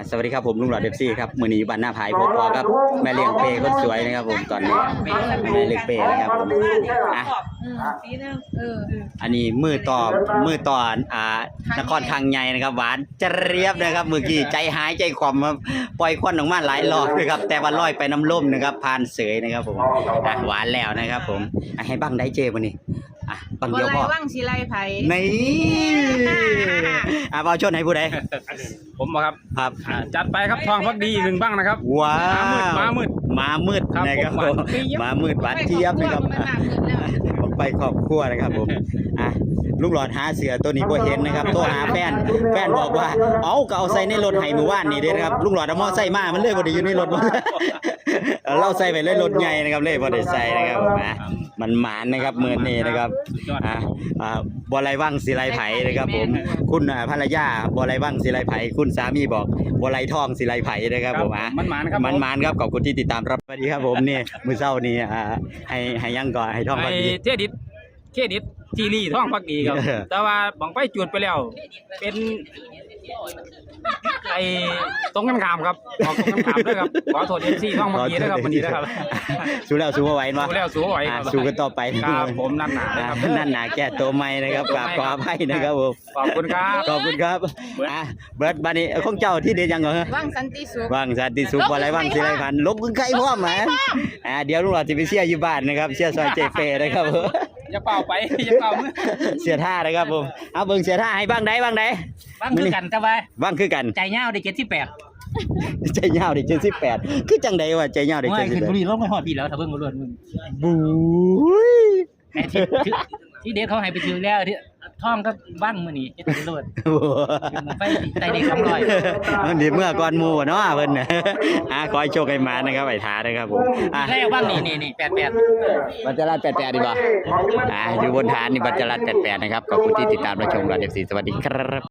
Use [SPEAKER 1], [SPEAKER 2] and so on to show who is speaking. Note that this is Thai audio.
[SPEAKER 1] สวัสดีครับผมลุงหลอดเดฟซี่ครับมือนี้บ้านหน้าพายพบครับแม่เลี้ยงเปย์คนสวยนะครับผมตอนนี้แม่เลี้ยงเปย์นะครับผมอันนี้มือต่อนครคังใหญ่นะครับหวานเจี๊ยบนะครับเมื่อกี้ใจหายใจคว่ำครับปล่อยควันออกมาหลายรอบนะครับแต่ว่าลอยไปน้ำล่มนะครับผ่านเสยนะครับผมหวานแล้วนะครับผมให้บังได้เจวันนี้บังเดียวพอ
[SPEAKER 2] ว่างสีไรไผ่
[SPEAKER 1] นี่บอลชนให้ผู้ใด
[SPEAKER 3] ผมบอกครับ
[SPEAKER 1] ครับ
[SPEAKER 3] จัดไปครับทองพักดี1บ้างนะครับ
[SPEAKER 1] ว้าว
[SPEAKER 3] มามืด
[SPEAKER 1] นะครับผมมามืดหวานเจี๊ยบนะครับไปครอบครัวนะครับผมลูกหลอดหาเสือตัวนี้บ่เห็นนะครับโทรหาแฟนบอกว่าก็เอาใส่ในรถให้มื้อวานนี่เด้นะครับลูกหลอดเอามอไซค์มามันเลยบ่ได้อยู่ในรถเราใส่ไปเลยรถใหญ่นะครับเลยบ่ได้ใส่นะครับมันหมานนะครับมื้อนี้นะครับบ่ไรว่างศิไลไผนะครับผมคุณภรรยาบ่ไรว่างศิไลไผคุณสามีบอกบ่ไรทองศิไลไผนะครับผม
[SPEAKER 3] มันหมาน
[SPEAKER 1] ครับขอบคุณที่ติดตามรับสวัสดีครับผมนี่มื้อเช้านี้ให้ยังก่อนให้ทองพักดี
[SPEAKER 3] เครดิตจีรีท่องพักดีครับแต่ว่าบังไปจุดไปแล้วเป็นตรงกันข้ามครับออกตรงกันข้ามด้วยครับขอโทษMCท่องพักดีนะครับวันนี้นะครับ
[SPEAKER 1] สู้แล้วสู้ไหวมั้ย
[SPEAKER 3] สู้ไหว
[SPEAKER 1] สู้กันต่อไป
[SPEAKER 3] ครับผมนั่นหนาครับ
[SPEAKER 1] นั่นหนาแก้ตัวใหม่นะครับกราบขออภัยนะครับผม
[SPEAKER 3] ขอบคุณครับ
[SPEAKER 1] เบิร์ดบัดนี้ของเจ้าที่เด็ดยังเหรอ
[SPEAKER 2] ว่างสันติสุ
[SPEAKER 1] ขบ่ไรว่างสิไรพันลบใครพร้อมมั้ยเดี๋ยวลุงหลอดสิไปเชียร์อยู่บ้านนะครับเชียร์ซอยเจเฟนะครับ
[SPEAKER 3] อย่าเป่าไปอย่าเป่ามือ
[SPEAKER 1] เสียท่านะครับผมเอาเบิ่งเสียท่าให้บ้างได้
[SPEAKER 3] คือกันแต่ว่า
[SPEAKER 1] บ้างคือกัน
[SPEAKER 3] ใจเงาได้78
[SPEAKER 1] ใจเงาได้78คือจังได๋วะใจเงาได้78
[SPEAKER 3] ขึ้นบุรีลงไปฮอดพี่แล้วถ้าเบิ่งบ่รวดมึง
[SPEAKER 1] บู๊ย
[SPEAKER 3] ที่เด็กเขาให้ไปถือแล้วที่ท่องก็บ้างมื้อนี้เฮ็ดบ่รวดไปใจเด็ก200
[SPEAKER 1] มันสิเมื่อก่อนหมู่เนาะเพิ่นขอให้โชคให้มานะครับไอ้ท้านะครับผม
[SPEAKER 3] แล้วบ้างนี่88
[SPEAKER 1] บัจจรัส88ดีบ่อยู่บนฐานนี่บัจจรัส88นะครับขอบคุณที่ติดตามรับชมเราเดฟซีสวัสดีครับ